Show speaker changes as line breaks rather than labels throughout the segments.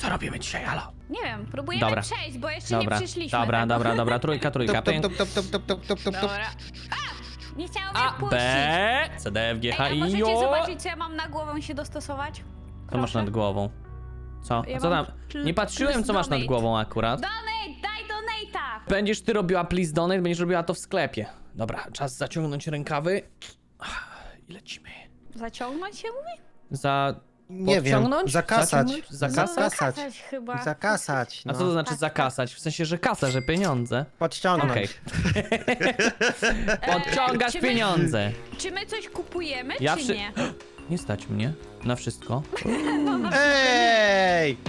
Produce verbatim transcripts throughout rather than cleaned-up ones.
Co robimy dzisiaj, halo?
Nie wiem, próbujemy
Dobra.
przejść, bo jeszcze
Dobra,
nie przyszliśmy.
dobra,
tak.
dobra, dobra, trójka, trójka,
Top, top,
pięk.
top, top, top, top, top, top, top, top.
Dobra. A! Nie chciało mnie
A,
wpuścić.
B, C, D, F, G, H,
Ej, a
I,
możecie
O.
zobaczyć, co ja mam na głową i się dostosować?
Co masz
Proszę.
nad głową? Co?
Ja
A co
mam
tam?
pl-
Nie patrzyłem,
plus
co masz nad
donate.
głową akurat.
Donate, daj donate'a!
Będziesz ty robiła please donate, będziesz robiła to w sklepie. Dobra, czas zaciągnąć rękawy. I lecimy.
Zaciągnąć się mówi?
Za...
Nie wiem,
podciągnąć?
zakasać.
Zaciągnąć? Zakasać?
No,
Zakasać.
zakasać chyba.
Zakasać,
A
no.
co to znaczy
Tak,
zakasać? W sensie, że kasa, że pieniądze.
Podciągnąć.
Okej.
E,
Podciągasz
czy my-
pieniądze.
Czy my coś kupujemy,
Ja
czy
przy-
nie?
Nie stać mnie na wszystko.
Ej!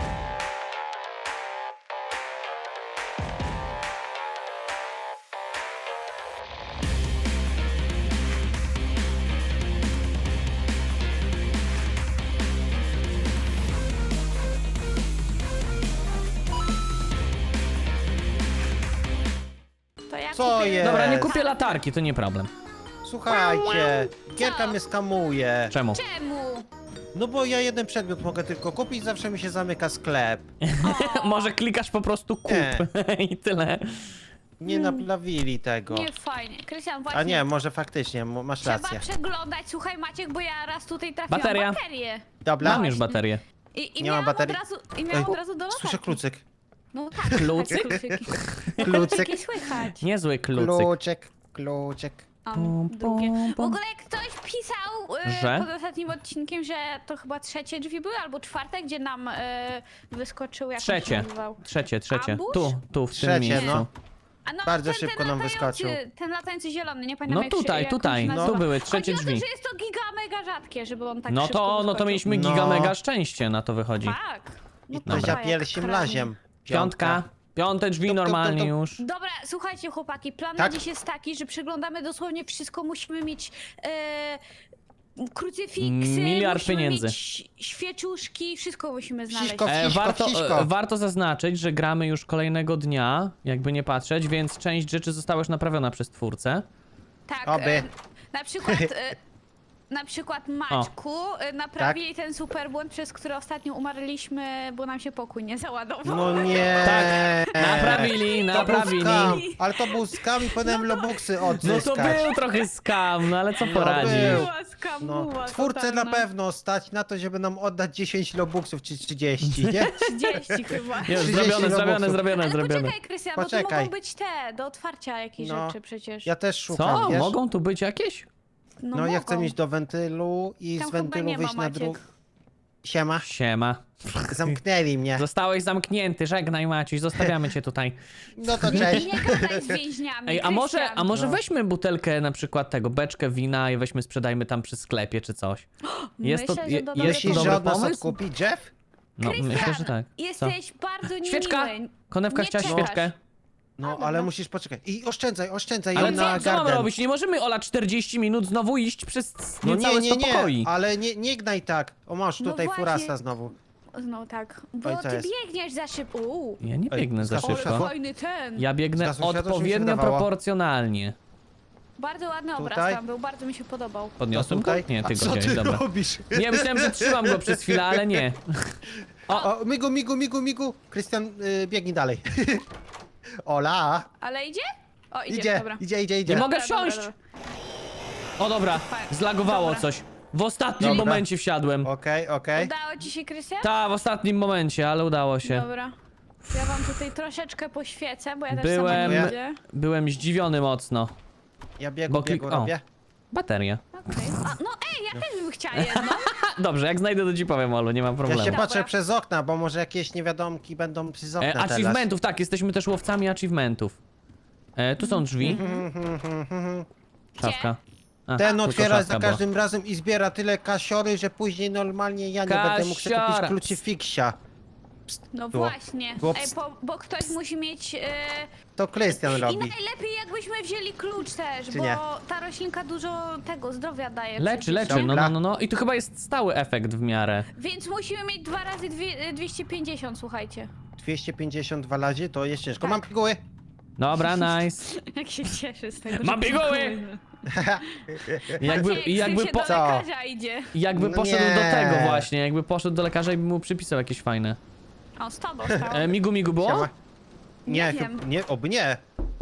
To ja
Co
kupię...
jest?
Dobra, nie kupię latarki, to nie problem.
Słuchajcie, Gierka
Co?
mnie skamuje.
Czemu?
Czemu?
No bo ja jeden przedmiot mogę tylko kupić, zawsze mi się zamyka sklep.
Może klikasz po prostu kup i tyle.
Nie naprawili tego.
Nie fajnie. Krystian, właśnie.
A nie, może faktycznie, mo- masz
Trzeba
rację.
przeglądać. Słuchaj, Maciek, bo ja raz tutaj trafiłam
Bateria.
baterię.
Dobra.
Mam już baterię.
I, i
Nie ma
miałam
baterii?
Od razu, I miałam
Ej,
od razu do latarki.
Słyszę klucyk.
No tak.
Klucyk?
tak, klucyki.
Klucyk.
Klucyki słychać.
Niezły klucyk.
Kluczyk, kluczyk.
Um,
Pum,
długie.
pum,
W
pum.
ogóle ktoś pisał y,
Że?
pod ostatnim odcinkiem, że to chyba trzecie drzwi były, albo czwarte, gdzie nam y, wyskoczył, jak on się
Trzecie.
nazywał.
Trzecie, trzecie.
Ambush?
Tu, tu, w tym
Trzecie,
miejscu.
no.
A no,
Bardzo
ten,
szybko
ten
nam
latający,
wyskoczył.
Ten latający zielony, nie pamiętam
No
jak się,
tutaj,
jak on
tutaj,
się
tu
nazywa.
były trzecie
Chodzi
drzwi.
o to, że jest to giga mega rzadkie, żeby on tak
No
szybko
to, no to
wyskoczył.
mieliśmy
No.
giga mega szczęście, na to wychodzi.
Tak. No
I
to
to za
jak
pierwszym
kranie.
laziem.
Piątka. Piąte drzwi
Tup, tup, tup,
normalnie
tup.
już.
Dobra, słuchajcie chłopaki, plan
Tak?
na dziś jest taki, że przeglądamy dosłownie wszystko, musimy mieć e, krucyfiksy,
Miliard
musimy
pieniędzy.
mieć świeczuszki, wszystko musimy znaleźć.
Wciśko,
E,
wciśko,
warto,
wciśko.
e, warto zaznaczyć, że gramy już kolejnego dnia, jakby nie patrzeć, więc część rzeczy została już naprawiona przez twórcę.
Tak,
Oby.
e, na przykład... E, Na przykład Maćku e, naprawili
Tak?
ten super błąd, przez który ostatnio umarliśmy, bo nam się pokój nie załadował.
No nie.
Tak, naprawili,
To był
naprawili.
skam, ale to był skam i powinienem lobuksy
No
odzyskać.
to był trochę skam, no ale co
No
poradzisz?
był.
Była skamuła
No, twórcę na
totalna.
pewno stać na to, żeby nam oddać dziesięć lobuksów czy trzydzieści, nie?
trzydzieści chyba.
Już,
trzydzieści
zrobione, zrobione,
robuxów.
zrobione,
Ale
zrobione.
poczekaj, Krystian, bo tu
Poczekaj.
mogą być te, do otwarcia jakieś
No.
rzeczy przecież.
Ja też szukam,
Co?
wiesz?
Mogą tu być jakieś?
No,
No ja
mogą.
chcę mieć do wentylu i
Tam
z
chyba
wentylu
nie ma,
wyjść na
Maciek.
drugą. Siema.
Siema.
Zamknęli mnie.
Zostałeś zamknięty, żegnaj Maciuś, zostawiamy cię tutaj.
No to cześć.
Nie gadaj z więźniami,
Ej, a może,
Krystian.
a może
No.
weźmy butelkę na przykład tego, beczkę wina i weźmy sprzedajmy tam przy sklepie czy coś. Jest to,
Myślę, że
je,
to
jest
Myślisz,
to
że
dobry
od nas
pomysł?
odkupi Jeff?
No,
Krystian,
myślę, że tak. Co?
Jesteś bardzo niemiły.
Świeczka! Konewka
Nie
chciała
czekasz.
świeczkę.
No,
A,
ale
dobra.
musisz poczekać. I oszczędzaj, oszczędzaj
Ale
ją
co,
na
co mamy
garden.
robić? Nie możemy Ola czterdzieści minut znowu iść przez
No
niecałe
nie, nie,
sto
nie,
pokoi.
ale nie, nie gnaj tak. O, masz
No
tutaj
właśnie.
furasa znowu.
No tak, bo
Oj, co
ty
jest?
biegniesz za szybko. Uuu,
Ja nie
Ej,
biegnę za
zgasło
szybko.
światło?
fajny ten.
Ja biegnę
Zgasło światło, czy mi się
odpowiednio
wydawało?
proporcjonalnie.
Bardzo ładny obraz
Tutaj?
tam był, bardzo mi się podobał.
Podniosłem go?
Tutaj?
Nie, ty
A
go
co
wziąłeś,
ty
dobra.
robisz?
Nie, myślałem, że trzymam go przez chwilę, ale nie.
O, migu, migu, migu, migu. Krystian, y, biegnij dalej. Ola.
Ale idzie? O, idzie,
Idzie,
dobra.
idzie, idzie, idzie.
Nie mogę
Dobra, dobra,
wsiąść!
dobra.
O dobra, zlagowało
Dobra.
coś. W ostatnim
Dobra.
momencie wsiadłem.
Okej, okej.
Udało ci się, Krystian?
Ta, w ostatnim momencie, ale udało się.
Dobra. Ja wam tutaj troszeczkę poświecę, bo ja też
Byłem,
sama nie widzę.
byłem zdziwiony mocno.
Ja biegu,
Bo
biegu
klik- o.
robię.
Bateria.
Okej. A, no ej, ja też bym chciała jedno.
Dobrze, jak znajdę to ci powiem, Olu, nie mam
Ja
problemu.
się
Dobra.
patrzę przez okna, bo może jakieś niewiadomki będą przez okna
E,
teraz.
achievementów, tak, jesteśmy też łowcami achievementów. E, tu są drzwi. Szafka. A,
Ten
tylko
otwiera
szafka
za
była.
każdym razem i zbiera tyle kasiory, że później normalnie ja nie będę mógł sobie
Kasiora.
kupić krucyfiksia.
No
Było.
właśnie.
Było
Ej,
ps-
bo, bo ktoś musi mieć... E,
To Krystian
I
robi.
najlepiej jakbyśmy wzięli klucz też,
Czy
bo
nie?
ta roślinka dużo tego zdrowia daje.
Leczy,
przecież.
leczy, no,
Dobra.
no, no, no. I tu chyba jest stały efekt w miarę.
Więc musimy mieć dwa razy dwie, dwieście pięćdziesiąt, słuchajcie.
dwieście pięćdziesiąt dwa razy to jest ciężko.
Tak.
Mam piguły.
Dobra, nice.
Jak się cieszy z tego,
Mam
że
piguły! Jakby,
Maciek,
jakby,
się
po,
do
Co?
lekarza idzie.
jakby
No
poszedł
nie.
do tego właśnie, jakby poszedł do lekarza i by mu przypisał jakieś fajne.
O, sto dostał.
E, migu migu było?
Siema. Nie,
Nie
chyb-
wiem.
nie, oby nie.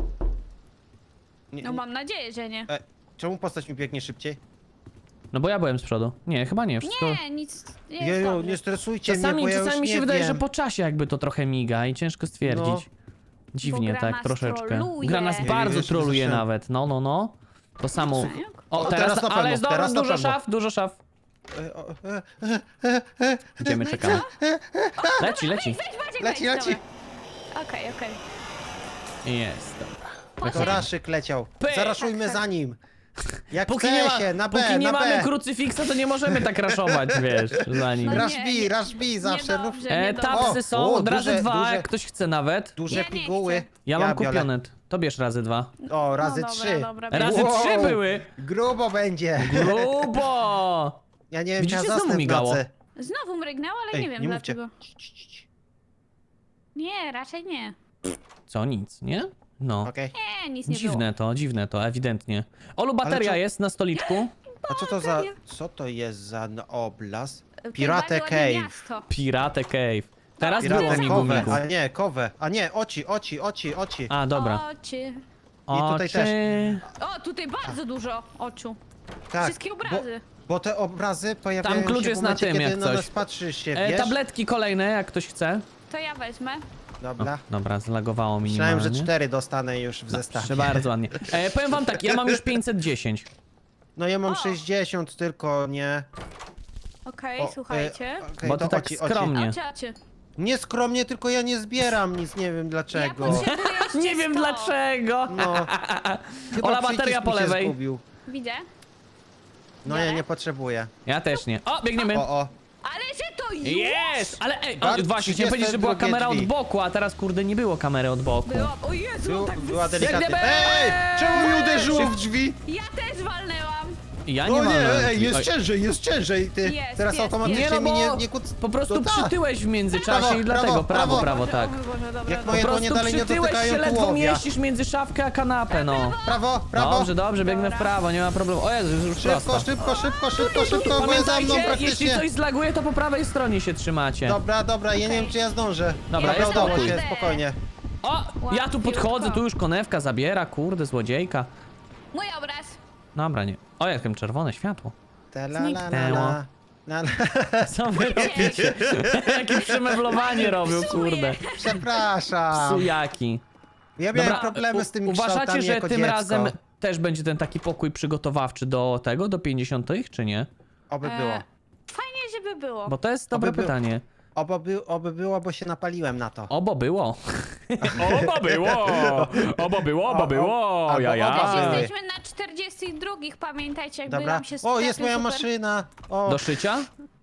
nie
No mam nadzieję, że nie.
e, czemu postać mi biegnie szybciej?
No bo ja byłem z przodu. Nie, chyba nie, wszystko...
Nie, nic nie jest
Jeju,
dobrze.
nie stresujcie
Czasami,
mnie, bo ja
czasami
już
mi się
nie
wydaje,
wiem.
że po czasie jakby to trochę miga i ciężko stwierdzić.
No.
Dziwnie,
Bo gra
tak,
nas
troszeczkę.
troluje.
Gra nas
Nie,
bardzo
wiesz,
troluje
zacząłem-
nawet, no, no, no. To samo.
Co?
O,
O,
teraz,
teraz na
ale
pewno,
jest dobra,
teraz na
dużo
pewno.
szaf, dużo szaf.
E, o, e, e, e, e,
Idziemy,
No i
czekamy.
co?
Leci, leci.
Weź, Maciek,
Leci,
weź,
leci.
dobra. Okej, okej.
Jest, dobra.
To
Poczekaj.
Raszyk leciał.
Pyk.
Zaraszujmy
Tak, tak.
za nim. Jak
Póki
chce
nie, ma,
się, na B,
póki nie
na
mamy
B.
krucyfiksa, to nie możemy tak raszować, wiesz, za nim.
No nie,
Rush B,
nie-
rush B zawsze. Rób...
Niedobrze,
E,
niedobrze.
tapsy
O,
są,
o,
od razy
duże-
dwa,
duże-
jak ktoś chce nawet.
Duże
Ja nie
piguły.
chcę.
Ja mam
biorę.
kupione. To bierz razy dwa.
O, razy
No dobra,
trzy.
dobra,
Razy
Wow,
trzy były.
Grubo będzie.
Grubo!
Ja nie wiem,
Widzicie,
czy ja
znowu
zasnę w
migało.
nocy.
Znowu mrygnęło, ale
Ej,
nie wiem
nie mówcie.
dlaczego.
Cii, cii, cii, cii.
Nie, raczej nie.
Co, nic, nie? No.
Okej.
Nie, nic nie
Dziwne to, dziwne to, ewidentnie. Olu, bateria
co-
jest na stoliczku.
A co to za...
Bateria.
Co to jest za no- oblast?
było.
Pirate
Bardzo ładne
Cave.
miasto.
Pirate Cave. Teraz
Pirate
było
Pirate
migu
Cove.
migu.
A nie, kowę. A nie, oci, oci, oci, oci.
A, dobra.
Oczy.
I tutaj
Oczy.
O, tutaj bardzo dużo oczu.
Tak,
Wszystkie obrazy.
Bo, bo te obrazy pojawiają
Tam klucz
się
jest
w
na
momencie,
tym,
kiedy
jak
na
coś.
nas patrzysz się,
E,
wiesz?
tabletki kolejne, jak ktoś chce.
To ja wezmę.
O,
Dobra.
dobra, zlagowało mi
Myślałem, że
minimalnie.
cztery dostanę już w
Proszę
zestawie.
bardzo ładnie. E, powiem wam tak, ja mam już pięćset dziesięć.
No ja mam
O.
sześćdziesiąt tylko, nie...
Okej,
O,
słuchajcie.
e, okej,
Bo
to
ty tak
oci, oci.
skromnie.
Oczy, oczy.
Nie skromnie, tylko ja nie zbieram nic, nie wiem
Ja
dlaczego.
potrzebuję jeszcze
Nie wiem
sto.
dlaczego.
No. Chyba
Ola, bateria
przycisk
po
mi się
lewej.
zgubił.
Widzę.
No ja nie potrzebuję.
Ja też nie. O, biegniemy.
O, o.
Ale że to już
Jest! Ale ej, o,
Bart,
właśnie, chciałem powiedzieć, że była
trzydzieste
kamera od
drugie
boku, a teraz kurde nie było kamery od boku.
było. O Jezu,
Był,
tak
była
wys...
delikatna.
Biegniemy!
Ej! Czemu mi uderzyło w drzwi?
Ja też walnęłam.
Ja nie
No
mam.
nie,
ręki.
ej, jest
Oj.
ciężej, jest ciężej. Ty
Jest,
teraz
jest,
automatycznie
Nie no,
mi
bo
nie, nie kuc...
po prostu
No tak.
przytyłeś w międzyczasie
Prawo,
i dlatego
prawo,
prawo,
prawo.
prawo, tak.
O mój Boże, dobra,
Jak
dobra.
moje
Po
dłonie
prostu
dalej nie
przytyłeś
dotykają
się, ledwo
tułowia.
mieścisz między szafkę a kanapę, no.
Prawo, prawo.
Dobrze, dobrze, biegnę w
Dobra.
prawo, nie ma problemu. O Jezu, już
Szybko,
prosto.
szybko, szybko, szybko, szybko, bo jest za mną
Pamiętajcie, jeśli
praktycznie.
coś zlaguje, to po prawej stronie się trzymacie.
Dobra, dobra, ja nie
Okej.
wiem czy ja zdążę.
Dobra,
Dobra,
jest
udało
spokój.
się, spokojnie.
O, ja tu podchodzę, tu już konewka zabiera, kurde, złodziejka.
Mój obraz.
Dobra, nie. O, jakim czerwone światło.
Ta la la la
Zniknęło.
la. La, la.
Co wy robicie? Jakie przemeblowanie robią,
Psuje.
kurde.
Przepraszam.
Sujaki.
Ja miałem
Dobra,
problemy z tymi
u- uważacie,
kształtami
że
jako
tym
dziecko.
razem też będzie ten taki pokój przygotowawczy do tego, do pięćdziesiątych, czy nie?
Oby
E,
było.
Fajnie, żeby było.
Bo to jest dobre
Oby było.
pytanie.
Oby, by, oby było, bo się napaliłem na to.
Obo było. Obo było. Obo było, obo było.
Albo
Ja,
oba
ja.
były.
Jesteśmy na czterdziestych drugich, pamiętajcie, jakby
Dobra.
nam się
O,
sklepy
jest moja
super...
maszyna. O,
Do szycia?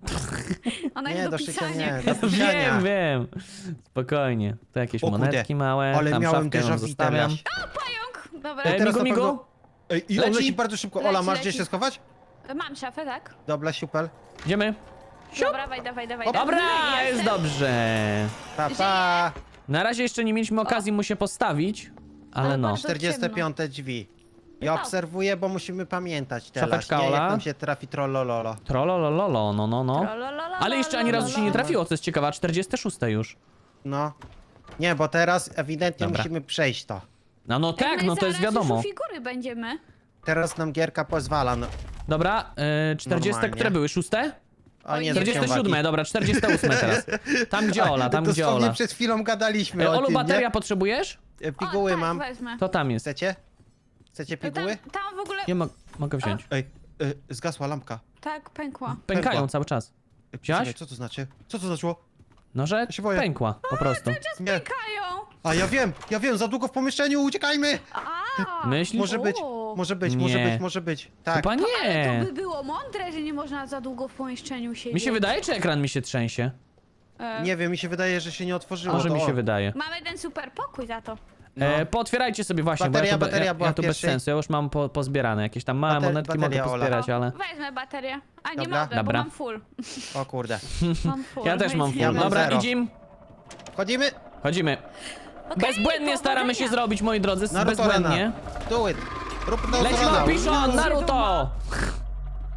Ona
nie,
jest
do
do
szycia
pisania.
nie, do pisania.
Wiem, wiem. Spokojnie. To jakieś
O kurde,
monetki małe,
ale
tam
miałem
szafkę
déjà
ją
vu
zostawiam.
teraz.
Pająk! Dobra,
E,
teraz
migu,
na
migu.
pewno- Ej, i on
Leci?
leci bardzo szybko. Ola,
Leci,
masz gdzie
leci.
się schować?
mam szafę, tak?
Dobra, super.
Idziemy.
Dobra, dawaj, dawaj, dawaj.
Dobra,
dawaj.
jest dobrze.
Pa, pa.
Na razie jeszcze nie mieliśmy okazji mu się postawić, ale
Ale
no.
bardzo-
czterdzieste piąte drzwi. Ja
O.
obserwuję, bo musimy pamiętać teraz,
Szafeczka,
nie?
Ola?
Jak nam się trafi trollololo.
Trololololo, no, no, no.
Trololololo,
Ale jeszcze ani razu się nie trafiło, co jest ciekawe, czterdzieste szóste już.
No. Nie, bo teraz ewidentnie
Dobra.
musimy przejść to.
No, no
Ej,
tak,
my
no to jest
zaraz
wiadomo.
już u figury będziemy.
Teraz nam gierka pozwala. No.
Dobra, y, czterdzieste,
Normalnie.
które były? Szóste?
O nie,
czterdzieste siódme,
zwróciłem
dobra, czterdzieste ósme teraz. Tam gdzie Ola, tam gdzie
Dosłownie
Ola.
przed chwilą gadaliśmy
E,
o
Olu,
tym,
bateria
nie?
potrzebujesz?
E, Piguły
o, tak,
mam.
wezmę.
To tam jest.
Chcecie? Chcecie
Tam,
piguły?
tam w ogóle...
Nie mo mogę wziąć.
Ej, e, zgasła lampka.
Tak, pękła.
Pękają
pękła.
cały czas.
E,
Wziąłeś?
czekaj, co to znaczy? Co to znaczyło?
No, że
się boję.
pękła, po prostu.
Nie.
Pękają!
A ja wiem, ja wiem, za długo w pomieszczeniu, uciekajmy!
A,
Myślisz?
Może być,
O.
może być, może
Nie.
być, może być. Tak.
Chyba
Ale
nie.
to by było mądre, że nie można za długo w pomieszczeniu siedzieć.
Mi się wydaje, czy ekran mi się trzęsie?
E,
Nie wiem, mi się wydaje, że się nie otworzyło.
Może
to
mi się
o.
wydaje.
Mamy ten super pokój za to.
No.
E, pootwierajcie sobie właśnie,
Bateria,
bo ja tu, be-
bateria
ja,
była
ja tu bez
pierwszej.
sensu, ja już mam po, pozbierane. Jakieś tam małe
Bater-
monetki
bateria,
mogę
Ola.
pozbierać, ale...
Wezmę baterię. A nie
Dobra.
mogę,
Dobra.
bo mam full.
O kurde.
Mam full.
Ja też mam
więc
full.
nie
mam
Dobra,
zero.
idziemy.
Chodzimy?
Chodzimy.
Okej,
Bezbłędnie staramy się
powodzenia.
zrobić, moi drodzy,
Naruto
bezbłędnie.
Rana. Do it. Rób to
Leci
Rana.
Piszon, Naruto!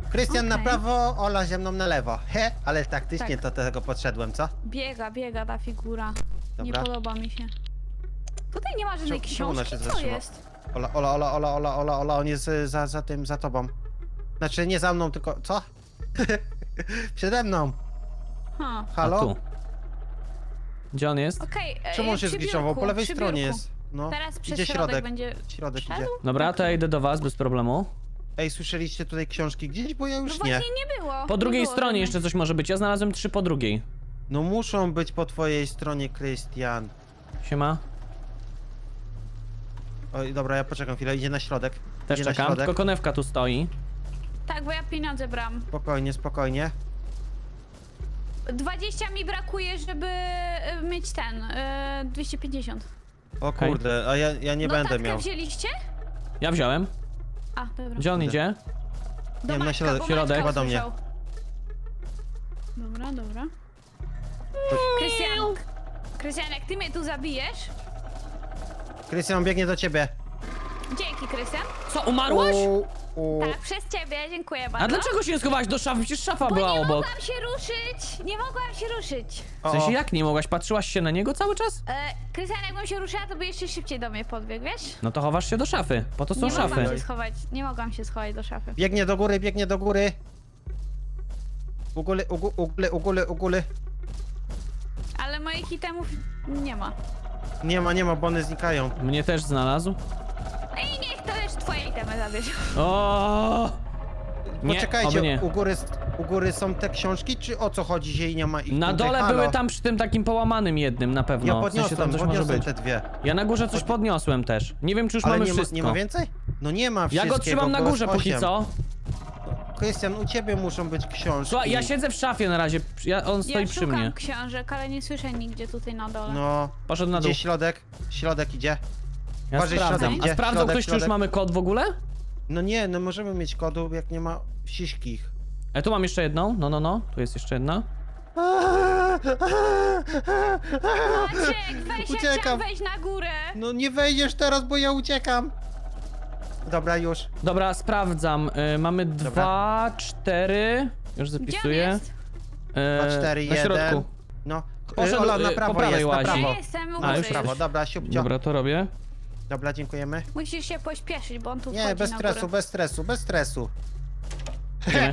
Krystian na
Okej.
prawo, Ola ze mną na lewo. He, ale taktycznie
Tak.
to do tego podszedłem, co?
Biega, biega ta figura. Nie
Dobra.
podoba mi się. Tutaj nie ma żadnej
Czemu- czemu ona
książki,
się
co
zatrzyma?
jest?
Ola, Ola, Ola, Ola, Ola, Ola, Ola, on jest y, za, za tym, za tobą. Znaczy nie za mną, tylko... Co? Przede mną.
Ha.
A
Halo?
tu. Gdzie on jest?
Okej, e,
Czemu on się
przy
zgliczował?
biurku,
Po lewej
przy
stronie
biurku.
jest. No.
Teraz przez
Idzie
środek,
środek.
będzie...
Środek
Szedł?
idzie.
Dobra, to ja idę do was bez problemu.
Ej, słyszeliście tutaj książki gdzieś? Bo ja
No
już
właśnie
nie.
nie było.
Po
nie
drugiej
było
stronie
żadnej.
jeszcze coś może być. Ja znalazłem trzy po drugiej.
No muszą być po twojej stronie, Krystian.
Siema.
Oj, dobra, ja poczekam chwilę, idzie na środek.
Też
idzie na
czekam,
środek.
tylko konewka tu stoi.
Tak, bo ja pieniądze bram.
Spokojnie, spokojnie.
dwadzieścia mi brakuje, żeby e, mieć ten, e, dwieście pięćdziesiąt.
O
Okej.
kurde, a ja, ja nie
no
będę
tatkę
miał.
wzięliście?
Ja wziąłem.
A, dobra.
Gdzie on
Kurde.
idzie?
Do
Nie wiem, na
Maćka,
środek,
bo
środek.
Maćka
Chyba do mnie.
usłyszał. Dobra, dobra. Krystian, Krystian, jak ty mnie tu zabijesz...
Krystian biegnie do ciebie.
Dzięki, Krystian.
Co, umarłaś?
U, u.
Tak, przez ciebie, dziękuję bardzo.
A dlaczego się nie schowałaś do szafy? Przecież szafa
Bo
była
nie
obok.
mogłam się ruszyć! Nie mogłam się ruszyć.
W sensie
O,
jak nie mogłaś? Patrzyłaś się na niego cały czas?
E, Krystian, jakbym się ruszyła, to by jeszcze szybciej do mnie podbiegł, wiesz?
No to chowasz się do szafy. Po to są
nie mogłam
szafy.
się schować, nie mogłam się schować do szafy.
Biegnie do góry, biegnie do góry. U góry, u gó- u góry, u góry, u góry.
Ale moich itemów nie ma.
Nie ma, nie ma, bo one znikają.
Mnie też znalazł.
I niech to już twoje itemy zabierze.
O! Nie,
Poczekajcie,
oby nie.
u góry, u góry są te książki, czy o co chodzi, że jej nie ma ich
Na
tutaj?
dole
Halo?
były tam przy tym takim połamanym jednym na pewno.
Ja
W sensie
podniosłem,
tam coś może
podniosłem
być.
te dwie.
Ja na górze coś podniosłem też. Nie wiem, czy już
Ale
mamy
nie ma,
wszystko.
nie ma więcej? No nie ma
Ja
wszystkiego,
go trzymam na
było
górze
z
póki
osiem.
co.
Krystian, u ciebie muszą być książki.
Słuchaj, ja siedzę w szafie na razie. Ja, on stoi
Ja
przy
szukam
mnie.
książek, ale nie słyszę nigdzie tutaj na dole.
No,
Poszedł na dół.
idzie środek, środek idzie.
Ja
Uważaj,
sprawdzam.
środek
A
idzie,
sprawdzał
środek,
ktoś, czy już
środek.
mamy kod w ogóle?
No nie, no możemy mieć kodu, jak nie ma wsiśkich.
E, tu mam jeszcze jedną. No, no, no. Tu jest jeszcze jedna.
Maciek, weź, ja
Uciekam.
chciałam wejść na górę.
No nie wejdziesz teraz, bo ja uciekam. Dobra, już.
Dobra, sprawdzam. Y, mamy dwa, cztery. Już
Gdzie on
zapisuję.
jest?
E,
Dwa, cztery,
na
jeden.
środku.
No,
Poszedł,
Ola, na
y,
prawo
po prawej
jest, na
łazi.
prawo.
Ja jestem u
A,
góry
już
Prawo,
już.
dobra, siupcio.
Dobra, to robię.
Dobra, dziękujemy.
Musisz się pośpieszyć, bo on tu
Nie,
wchodzi
bez
na
stresu,
górę.
bez stresu, bez stresu.
Idziemy.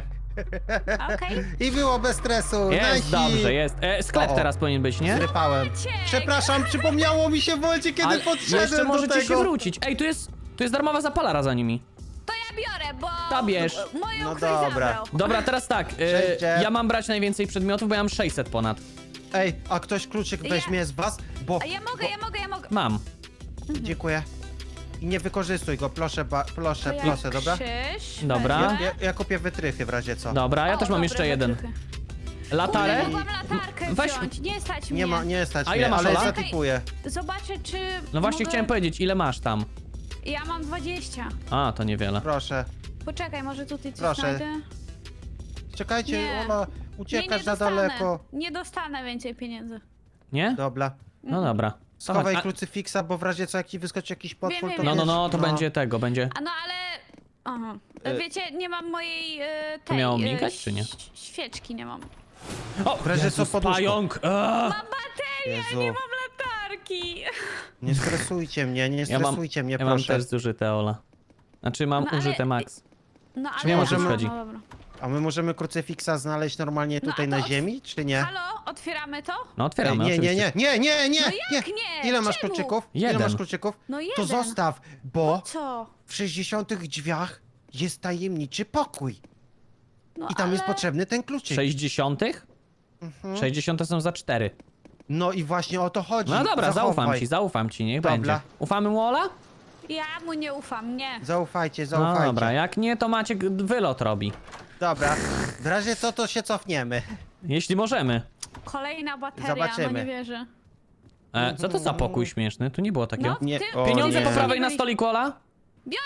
Okej.
I było bez stresu.
Jest,
Nasi.
dobrze, jest. E, sklep
O, o.
teraz powinien być, nie?
Zrypałem.
Maciek!
Przepraszam, przypomniało mi się w momencie, kiedy
Ale
podszedłem
jeszcze
do
możecie
tego.
się wrócić. Ej, tu jest, tu jest darmowa zapalara za nimi.
To ja biorę, bo...
Ta bierz.
Moją
No
ktoś
dobra.
zabrał.
Dobra, teraz tak. E,
Przejdzie.
ja mam brać najwięcej przedmiotów, bo ja mam sześćset ponad.
Ej, a ktoś kluczyk
Ja-
weźmie z was? Bo...
A ja mogę, ja mogę, ja mogę.
Mam.
Dziękuję. I nie wykorzystuj go, proszę, ba, proszę,
To ja
proszę, dobra?
krzyż
Dobra.
Ja,
wezmę.
ja, ja kupię wytrychy w razie co.
Dobra, ja
O,
też mam
dobre
jeszcze jeden.
wytrychy.
Latarę?
Kurde, mogłam latarkę
Weź-
wziąć, nie stać mnie.
Nie ma, nie stać
A ile
mnie,
masz,
ale
Ola?
zatypuję.
Zobaczę, czy
No właśnie
mogę...
chciałem powiedzieć, ile masz tam?
Ja mam dwadzieścia.
A, to niewiele.
Proszę.
Poczekaj, może tutaj coś
Proszę.
znajdę?
Czekajcie,
Nie.
Ola,
Nie, nie
uciekasz za
dostanę.
daleko.
Nie dostanę więcej pieniędzy.
Nie?
Dobra.
No dobra.
Schowaj
A-
krucyfiksa, bo w razie co, jak ci wyskoczy jakiś potwór,
wiem,
to
wiem.
No, no, no,
wiesz,
to będzie tego, będzie.
A no ale... Aha.
E-
Wiecie, nie mam mojej e, tej...
miało
e,
migać, czy nie?
ś- Świeczki nie mam.
O,
W razie co,
Jezus,
poduszką.
pająk! Aaa!
Mam baterię,
Jezu.
nie mam latarki.
Nie stresujcie mnie, nie
Ja mam,
stresujcie mnie,
ja mam
proszę.
też zużyte, Ola. Znaczy mam
No, ale-
użyte max.
No ale...
nie możemy-
aha, no dobra.
A my możemy krucyfiksa znaleźć normalnie
No,
tutaj
a to
na
od-
ziemi, czy nie?
Halo, otwieramy to?
No
Ej,
otwieramy,
nie, nie,
oczywiście.
nie, nie, nie, nie,
No
nie.
jak nie?
Ile masz
Czemu?
kluczyków? Ile
Jeden.
masz kluczyków?
No
To
jeden.
zostaw, bo
Co?
w sześćdziesiątych drzwiach jest tajemniczy pokój.
No,
I tam jest
ale-
potrzebny ten kluczyk.
sześćdziesiątych?
Mhm.
sześćdziesiąte są za cztery.
No i właśnie o to chodzi.
No dobra,
Zachowaj.
zaufam ci, zaufam ci, niech
Dobra.
będzie. Ufamy mu, Ola?
Ja mu nie ufam, nie.
Zaufajcie,
No
zaufajcie.
dobra, jak nie, to Maciek wylot robi.
Dobra, w razie co, to się cofniemy.
Jeśli możemy.
Kolejna bateria,
Zobaczymy.
no nie wierzę.
E, co to za pokój śmieszny? Tu nie było takiego.
No,
Nie,
ty...
o
Pieniądze
nie.
po prawej na stoliku, Ola?
Biorę!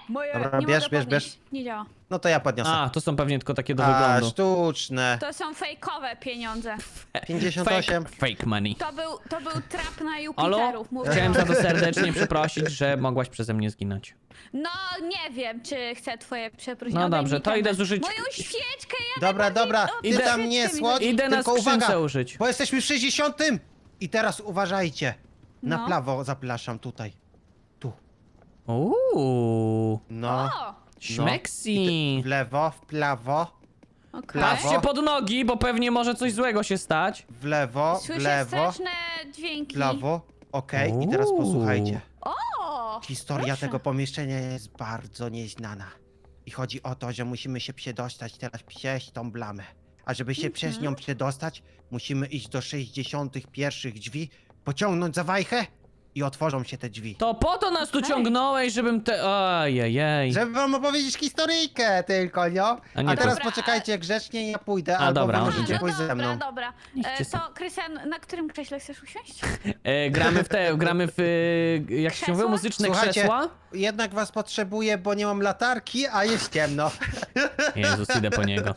Moje
Dobra,
nie
bierz,
mogę
bierz,
podnieść.
bierz.
Nie działa.
No to ja podniosę.
A, to są pewnie tylko takie do
A,
wyglądu.
sztuczne.
To są fejkowe pieniądze.
pięćdziesiąt osiem.
Fake, fake money.
To był, to był trap na
Alo?
Jupiterów. mówię
Chciałem
wam.
za to serdecznie przeprosić, że mogłaś przeze mnie zginąć.
No nie wiem, czy chcę twoje przeprosiny.
No
Obejmij
dobrze, to
temat.
idę zużyć-
Moją świeczkę, ja
Dobra,
najbardziej-
dobra,
o,
ty
Idę-
tam nie
świeczkę mi
słodź,
Idę na
tylko
skrzynce
uwaga,
użyć.
bo jesteśmy w sześćdziesiątym. I teraz uważajcie. Na
No.
prawo zapraszam tutaj. Tu.
Uuu,
No.
O,
śmeksi.
W lewo, w prawo,
okej.
Prawo.
Patrzcie pod nogi, bo pewnie może coś złego się stać.
w lewo, w
Słyszę
lewo,
straszne dźwięki.
w lewo. Okej, i teraz
Uuu.
posłuchajcie.
O,
Historia
proszę.
tego pomieszczenia jest bardzo nieznana. I chodzi o to, że musimy się przedostać teraz przez tą blamę. A żeby się przez
Mhm.
nią przedostać, musimy iść do sześćdziesiątych pierwszych drzwi, pociągnąć za wajchę i otworzą się te drzwi.
To po to nas tu
Okej.
ciągnąłeś, żebym te... Ojej.
Żeby wam opowiedzieć historyjkę tylko, no.
A
A,
nie
teraz
Dobra,
poczekajcie grzecznie, ja pójdę,
A,
albo
dobra,
wy
on
możecie
idzie.
pójść ze mną.
Dobra, dobra.
Idźcie
E,
sobie.
to, Krystian, na którym krześle chcesz usiąść?
E, gramy w te, gramy w, e, jak się
Krzesła?
mówi, muzyczne
Słuchajcie.
krzesła.
Jednak was potrzebuję, bo nie mam latarki, a jest ciemno.
Jezus, idę po niego.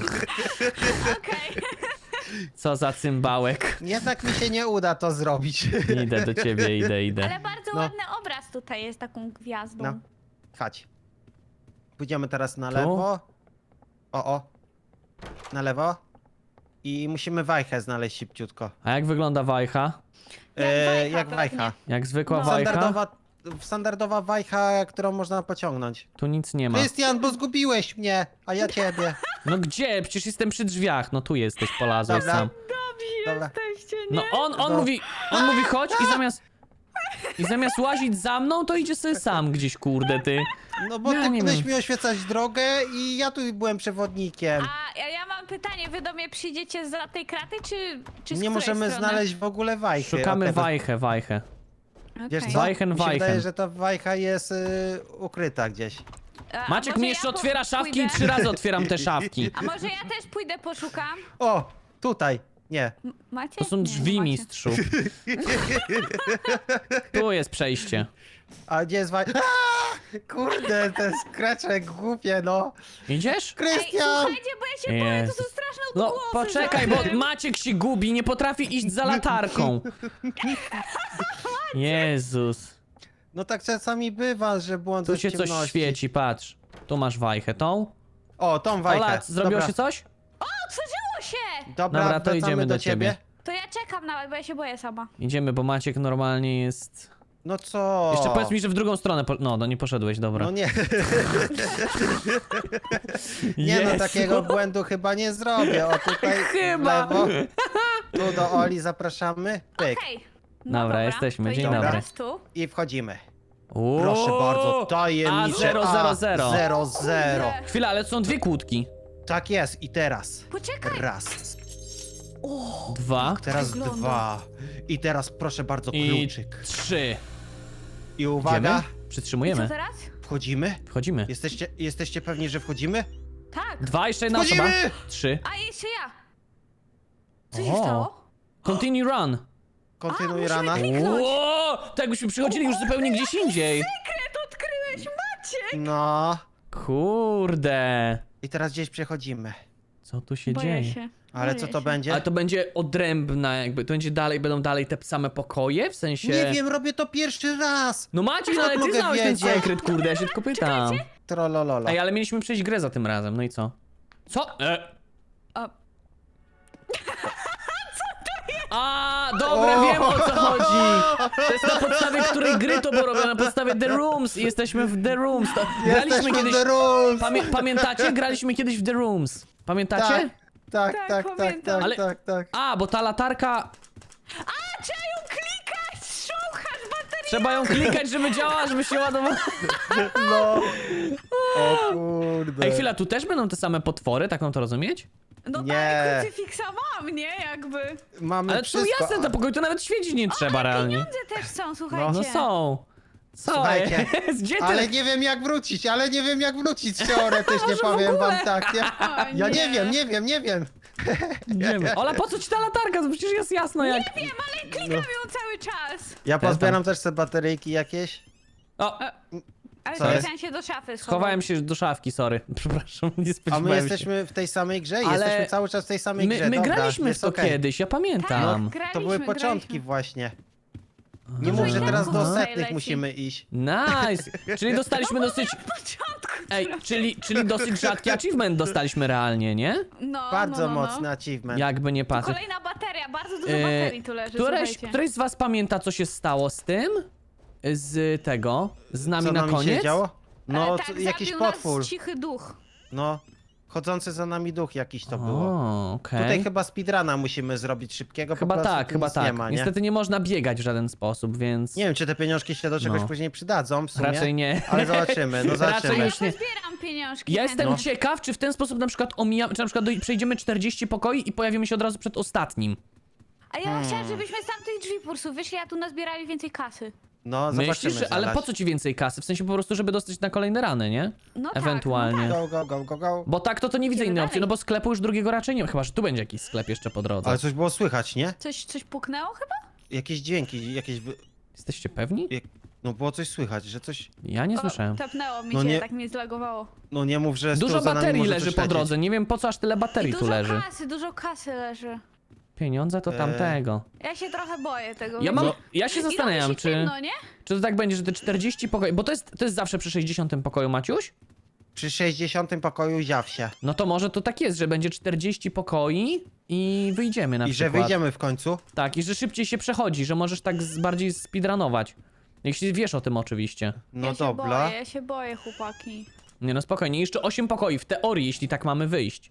Okej.
Co za cymbałek.
Jednak mi się nie uda to zrobić.
Idę do ciebie, idę, idę.
Ale bardzo
No.
ładny obraz tutaj jest taką gwiazdą.
No. Chodź. Pójdziemy teraz na
Tu?
lewo. O, o. Na lewo. I musimy wajchę znaleźć szybciutko.
A jak wygląda wajcha?
Jak
E,
wajcha
jak
pewnie.
wajcha.
Jak zwykła
No.
wajcha?
Standardowa, standardowa wajcha, którą można pociągnąć.
Tu nic nie ma.
Krystian, bo zgubiłeś mnie, a ja ciebie.
No gdzie? Przecież jestem przy drzwiach. No tu jesteś, polazłeś
Dobra.
sam.
Dobra.
Jesteście, nie?
No on, on
No.
mówi, on mówi chodź i zamiast... I zamiast łazić za mną, to idzie sobie sam gdzieś, kurde, ty.
No bo
Ja
ty
nie
będziesz
wiem.
mi oświecać drogę i ja tu byłem przewodnikiem.
A ja, ja mam pytanie, wy do mnie przyjdziecie za tej kraty, czy, czy z
Nie
której
możemy
strony?
znaleźć w ogóle wajchy.
Szukamy
A teraz-
wajchę, wajchę.
Wiesz
Okej.
co?
Wajchen,
Mi się
wajchen.
wydaje, że ta wajcha jest y, ukryta gdzieś.
A
Maciek
może
mi
ja
jeszcze
po-
otwiera szafki i
pójdę?
trzy razy otwieram te szafki.
A może ja też pójdę, poszukam?
O, tutaj. Nie.
M- Macie?
To są
Nie,
drzwi,
nie macie.
mistrzu. Tu jest przejście.
A gdzie jest wajcha? Kurde, ten skraczek głupie, no.
Idziesz?
Ej,
Krystian!
słuchajcie, bo ja się boję, to
Jezus.
są straszne
No
odgłosy.
poczekaj,
za
bo
tym.
Maciek się gubi, nie potrafi iść za latarką. Jezus.
No tak czasami bywa, że błąd
Tu
w
się coś
ciemności.
świeci, patrz. Tu masz wajchę, tą.
O, tą wajchę.
Ola, zrobiło
Dobra.
się coś?
Otworzyło się!
Dobra,
Dobra, to
wracamy
idziemy
do
do ciebie.
To ja czekam nawet, bo ja się boję sama.
Idziemy, bo Maciek normalnie jest...
No co?
Jeszcze powiedz mi, że w drugą stronę... Po... No, no nie poszedłeś, dobra.
No nie. Nie no,
Jezu.
takiego błędu chyba nie zrobię. O tutaj
Chyba.
w lewo. Tu do Oli zapraszamy. Pyk.
Okej. No
Dobra, jesteśmy,
to
dzień
idziemy
dobry.
teraz tu.
I wchodzimy.
Uuu.
Proszę bardzo, tajemnicze
A zero, zero, zero.
zero, zero.
Kurde.
Chwila, ale są dwie kłódki.
Tak jest, i teraz.
Poczekaj.
Raz,
Dwa
teraz
wygląda.
dwa. I teraz proszę bardzo
i
kluczyk.
trzy.
I uwaga,
Idziemy?
I co
Przytrzymujemy.
teraz?
wchodzimy.
Wchodzimy.
Jesteście, jesteście pewni, że wchodzimy?
Tak.
Dwa, jeszcze jedna osoba.
Wchodzimy!
Trzy.
A jeszcze ja. Co się
O.
stało?
Continue run.
Kontynuuj
musimy
rana.
kliknąć. Kliknąć.
Ło! Tak jakbyśmy przychodzili już zupełnie gdzieś indziej.
Sekret odkryłeś, Maciek!
No.
Kurde.
I teraz gdzieś przechodzimy.
Co tu się
Boję
dzieje?
się.
Ale
Boję
co to
się.
będzie?
Ale to będzie odrębna jakby, to będzie dalej, będą dalej te same pokoje? W sensie...
Nie wiem, robię to pierwszy raz.
No Maciej, no ale ty
mogę
znałeś ten
wiedzieć?
sekret, kurde, ja się tylko pytam.
Trolololo.
Ej, ale mieliśmy przejść grę za tym razem, no i co? Co? E.
O,
A, dobra, wiem o co chodzi. To jest na podstawie której gry to było robione, na podstawie The Rooms i jesteśmy w The Rooms. To, graliśmy
Jesteśmy
kiedyś...
The Rules.
Pamię pamiętacie? Graliśmy kiedyś w The Rooms. Pamiętacie?
Tak, tak,
Tak,
tak, tak,
pamiętam.
tak,
Ale-
tak, tak.
A, bo ta latarka...
A, trzeba ją klikać! Szukać baterii!
Trzeba ją klikać, żeby działała, żeby się ładowała.
No. O kurde.
Ej, chwila, tu też będą te same potwory, tak mam to rozumieć?
No
Nie.
tak, krucyfiksa mam, nie? Jakby.
Mamy
Ale to
wszystko.
jasne, te pokoje to nawet świecić nie trzeba realnie.
Pieniądze też są, słuchajcie.
No są. Co
Słuchajcie,
jest? Gdzie ty?
Ale nie wiem jak wrócić, ale nie wiem jak wrócić teoretycznie,
Może w
powiem
ogóle?
wam tak. Ja,
O,
ja nie
nie.
wiem, nie wiem, nie wiem.
Nie wiem. Ola, po co ci ta latarka? To przecież jest jasno jak...
Nie wiem, ale klikam ją cały czas.
Ja
Też
pozbieram też te bateryjki jakieś.
O,
Ale
Co jest?
chciałem się do szafy schować.
Schowałem się do szafki, sorry. Przepraszam, nie
A
spodziewałem
my
się.
jesteśmy w tej samej grze?
Ale
Jesteśmy cały czas w tej samej
My,
grze,
my
dobra,
graliśmy w
jest
to
okej.
kiedyś, ja pamiętam.
Tak.
To były
Graliśmy,
początki
graliśmy.
właśnie. Nie
Aha.
mów, że teraz do
Aha.
setnych
Leci.
musimy iść.
Nice! Czyli dostaliśmy dosyć...
początku.
Ej, czyli, czyli dosyć rzadki achievement dostaliśmy realnie, nie?
No,
Bardzo
no, no, no.
mocny achievement.
Jakby nie patrzeć.
Kolejna bateria, bardzo dużo
E,
baterii tu leży,
Któreś,
słuchajcie.
któreś z was pamięta, co się stało z tym? Z tego? Z nami
Co
na
nami
koniec?
się działo? No,
E, tak,
co- jakiś
zabił
potwór.
nas cichy duch.
No, chodzący za nami duch jakiś to było.
O, okej.
Tutaj chyba speedruna musimy zrobić szybkiego,
Chyba
po prostu
tak,
tu
chyba
nic
tak.
nie ma, nie?
Niestety nie można biegać w żaden sposób, więc...
Nie wiem, czy te pieniążki się do czegoś
No.
później przydadzą w sumie.
Raczej nie.
Ale zobaczymy, no
Raczej
zobaczymy.
już nie.
Zbieram pieniążki.
Ja
chętnie.
jestem ciekaw, czy w ten sposób na przykład omijamy, czy na przykład do, przejdziemy czterdzieści pokoi i pojawimy się od razu przed ostatnim.
A ja
Hmm.
chciałam, żebyśmy z tamtych drzwi po prostu wyszli, a tu nazbierali więcej kasy.
No, zobaczymy
Myślisz, że, ale
zaraz.
po co ci więcej kasy? W sensie po prostu, żeby dostać na kolejne rany, nie?
No
Ewentualnie.
tak, no
Go, go, go, go, go.
Bo tak to to nie widzę
Idziemy
innej
dalej.
opcji, no bo sklepu już drugiego raczej nie ma, chyba że tu będzie jakiś sklep jeszcze po drodze.
Ale coś było słychać, nie?
tak. Coś, coś puknęło chyba?
Jakieś dźwięki, jakieś... wy-
Jesteście pewni?
Jak... No było coś słychać, że coś...
Ja nie słyszałem.
O, tepnęło mi
No
się,
nie-
tak mnie zlagowało.
No nie mów, że z
Dużo
tyłu za nami
baterii
może
leży
coś
po
lecieć.
drodze, nie wiem po co aż tyle
I
baterii tu
dużo
leży.
kasy, dużo kasy leży.
Pieniądze to
Eee.
tamtego.
Ja się trochę boję tego.
Ja
wiecie?
mam,
No.
ja się
I robi
zastanawiam,
się
czy,
ciemno, nie?
czy to tak będzie, że te czterdzieści pokoi, bo to jest, to jest zawsze przy sześćdziesiątym pokoju, Maciuś?
Przy sześćdziesiątym pokoju zjaw się.
No to może to tak jest, że będzie czterdzieści pokoi i wyjdziemy na
I że
przykład.
wyjdziemy w końcu.
Tak, i że szybciej się przechodzi, że możesz tak z, bardziej speedrunować. Jeśli wiesz o tym oczywiście.
No
ja się
dobra.
boję, ja się boję, chłopaki.
Nie no spokojnie, jeszcze osiem pokoi, w teorii, jeśli tak mamy wyjść.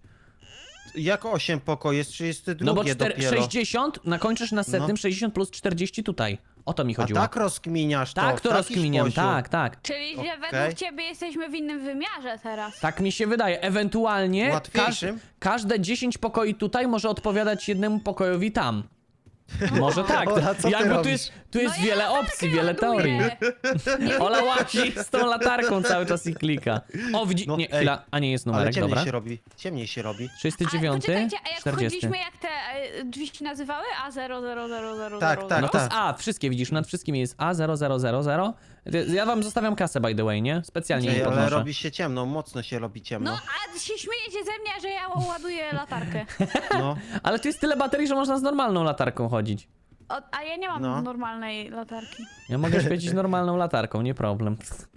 Jak osiem pokoi? Jest trzydzieści dwa
No bo czter-
dopiero.
sześćdziesiąt, nakończysz na setnym,
No.
sześćdziesiąt plus czterdzieści tutaj. O to mi
A
chodziło.
tak rozkminiasz to?
tak,
w
to
taki
rozkminiam,
sposób.
tak, tak.
Czyli, że
Okej.
według ciebie jesteśmy w innym wymiarze teraz.
Tak mi się wydaje. Ewentualnie każ-
Łatwiejszym?
każde dziesięć pokoi tutaj może odpowiadać jednemu pokojowi tam. Może tak.
Ola, co ty
Jakby tu
robisz?
jest, tu jest
No ja
wiele
latarkę
opcji, wiele teorii.
ładuję.
Ola łazi z tą latarką cały czas i klika. O, widzi...
No,
nie,
ej,
chwila, a nie jest
Ale
numerek,
ciemniej
dobra.
się robi. Ciemniej się robi.
trzydziesty
A
dziewiąty,
poczekajcie, a jak
czterdziesty.
wchodziliśmy, jak te e, drzwi się nazywały? A zero zero zero zero
Tak,
zero
tak,
No
zero.
to jest
tak.
A, wszystkie widzisz, nad wszystkim jest A zero zero zero zero. Ja wam zostawiam kasę, by the way, nie? Specjalnie
Ej,
nie
ale
podnoszę.
robi się ciemno, mocno się robi
No,
ciemno.
a się śmiejecie ze mnie, że ja ładuję latarkę.
No.
Ale tu jest tyle baterii, że można z normalną latarką chodzić.
O, a ja nie mam
No.
normalnej latarki.
Ja mogę świecić normalną latarką, nie problem.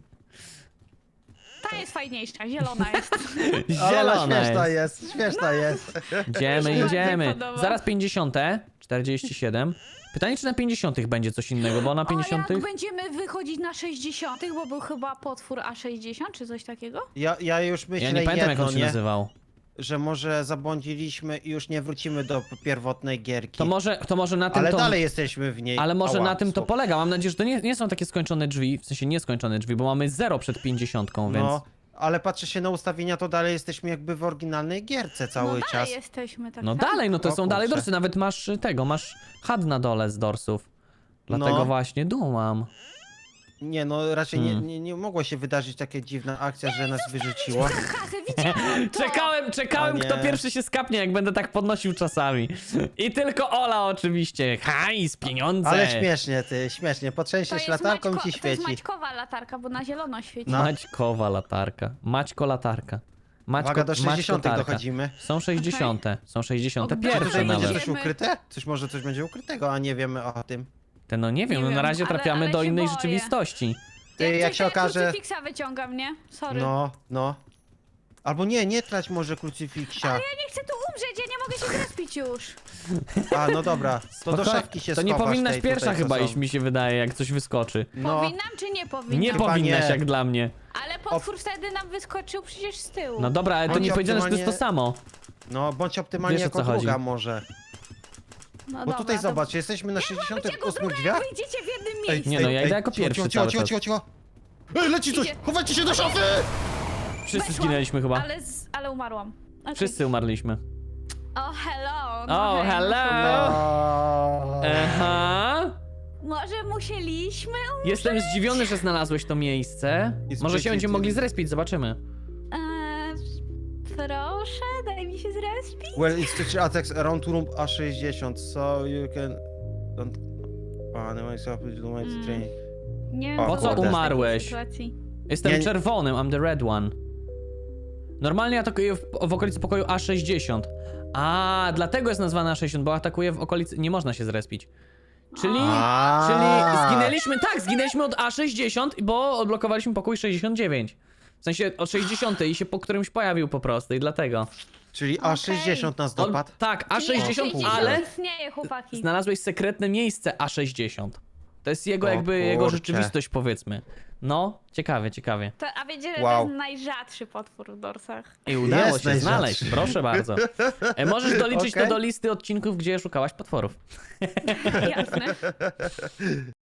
Ta jest fajniejsza, zielona jest.
Ale
Zielona
śmieszna
jest.
jest, śmieszna jest.
Idziemy,
Mi się
idziemy.
bardziej podoba.
Zaraz pięćdziesiąte, czterdzieści siedem. Pytanie, czy na pięćdziesiątych będzie coś innego, bo na
O,
pięćdziesiątych...
jak będziemy wychodzić na sześćdziesiątych, bo był chyba potwór A sześćdziesiąt, czy coś takiego?
Ja, ja już myślę
Ja nie pamiętam, jak
jedno,
on się
nie?
nazywał.
Że może zabłądziliśmy i już nie wrócimy do pierwotnej gierki.
To może, to może na tym
Ale
to...
dalej jesteśmy w niej.
Ale może
Ała,
na tym to
słabo.
polega. Mam nadzieję, że to nie, nie są takie skończone drzwi, w sensie nieskończone drzwi, bo mamy zero przed pięćdziesiątką, więc...
No, ale patrzę się na ustawienia, to dalej jesteśmy jakby w oryginalnej gierce cały
no
czas.
dalej jesteśmy, tak.
No
tak.
dalej, no to
O
są dalej
kurczę.
dorsy, nawet masz y, tego, masz H U D na dole z dorsów. Dlatego
No.
właśnie dumam.
Nie, no raczej
Hmm.
nie, nie, nie mogła się wydarzyć taka dziwna akcja, że nas wyrzuciło.
Kasę, widziałam to!
Czekałem, czekałem,
O nie.
kto pierwszy się skapnie, jak będę tak podnosił czasami. I tylko Ola oczywiście. Hajs, pieniądze.
Ale śmiesznie, ty, śmiesznie.
To
Potrzęsiesz
jest,
latarką
Maćko,
i ci
to jest
świeci.
Maćkowa latarka, bo na zielono świeci.
No.
Maćkowa latarka. Maćko latarka. Maćko,
Uwaga, do
Maćko
sześćdziesiątych
tarka.
dochodzimy.
Są sześćdziesiąte. Są sześćdziesiąte
O,
Czy
pierwsze
tutaj będzie
nawet.
coś ukryte? Coś może coś będzie ukrytego, a nie wiemy o tym.
Te no nie wiem,
Nie
no na
wiem,
razie
ale-
trafiamy
ale
do
się
innej
boję.
rzeczywistości.
Ty, jak
coś,
się
ja
okaże...
krucyfiksa wyciągam, nie? Sorry.
No, no. Albo nie, nie trać może krucyfiksia.
Ja nie chcę tu umrzeć, ja nie mogę się zrespić już.
A, no dobra. To do
Spokojnie.
szafki się
To nie
schowasz
powinnaś
tej
pierwsza
tutaj, co
chyba
są.
iść, mi się wydaje, jak coś wyskoczy.
No,
Powinnam czy nie powinnam?
Nie
Chyba
powinnaś,
nie.
jak dla mnie.
Ale potwór wtedy nam wyskoczył przecież z tyłu.
No dobra, ale to
Bądź
nie powiedziane, że to jest to
optymalnie-
samo.
no, bądź optymalnie
Wiesz, o
jako
co chodzi.
druga może.
No
Bo
dobra,
tutaj
to-
zobacz, jesteśmy na sześćdziesiątych
Jako
ósmych
druga,
drzwiach.
jak wyjdziecie w jednym
Ej,
miejscu.
Nie no, ja
ej,
idę jako
cicho,
pierwszy
cicho,
cały
cicho,
czas.
cicho, cicho. Ej, leci coś!
Idzie.
Chowajcie się do szafy!
Wszyscy
Weszłam,
zginęliśmy chyba.
Ale, z, ale umarłam. Okay.
Wszyscy umarliśmy.
O, hello. No
O,
hej,
hello.
No.
Aha.
Może musieliśmy umrzeć?
Jestem zdziwiony, że znalazłeś to miejsce.
Jest
Może się
przeciw-
będziemy mogli zrespić, zobaczymy.
Eee, proszę, daj mi się zrespić.
Well, it's teacher attacks around room A sześćdziesiąt, so you can... Don't... A, nie ma self
Mm.
training.
Nie wiem,
O,
co
po co
robić w takiej
umarłeś?
sytuacji.
Jestem
Nie-
czerwonym, I'm the red one. Normalnie atakuję w, w okolicy pokoju A sześćdziesiąt. A, dlatego jest nazwana A sześćdziesiąt, bo atakuje w okolicy... Nie można się zrespić. Czyli...
A.
Czyli zginęliśmy, tak, zginęliśmy od A sześćdziesiąt, bo odblokowaliśmy pokój sześćdziesiąt dziewięć. W sensie od sześćdziesiątej i się po którymś pojawił po prostu i dlatego.
Czyli A sześćdziesiąt nas
On,
dopadł.
tak, A
Czyli
sześćdziesiąt,
sześćdziesiąt
ale
istnieje, chłopaki.
znalazłeś sekretne miejsce A sześćdziesiąt. To jest jego
O
jakby, jego
kurczę.
rzeczywistość, powiedzmy. No, ciekawie, ciekawie.
To, a wiecie, że
Wow.
to jest najrzadszy potwór w dorsach.
I udało
Jest
się
najrzadszy.
znaleźć, proszę bardzo. E, możesz doliczyć
Okej.
to do listy odcinków, gdzie szukałaś potworów.
Jasne.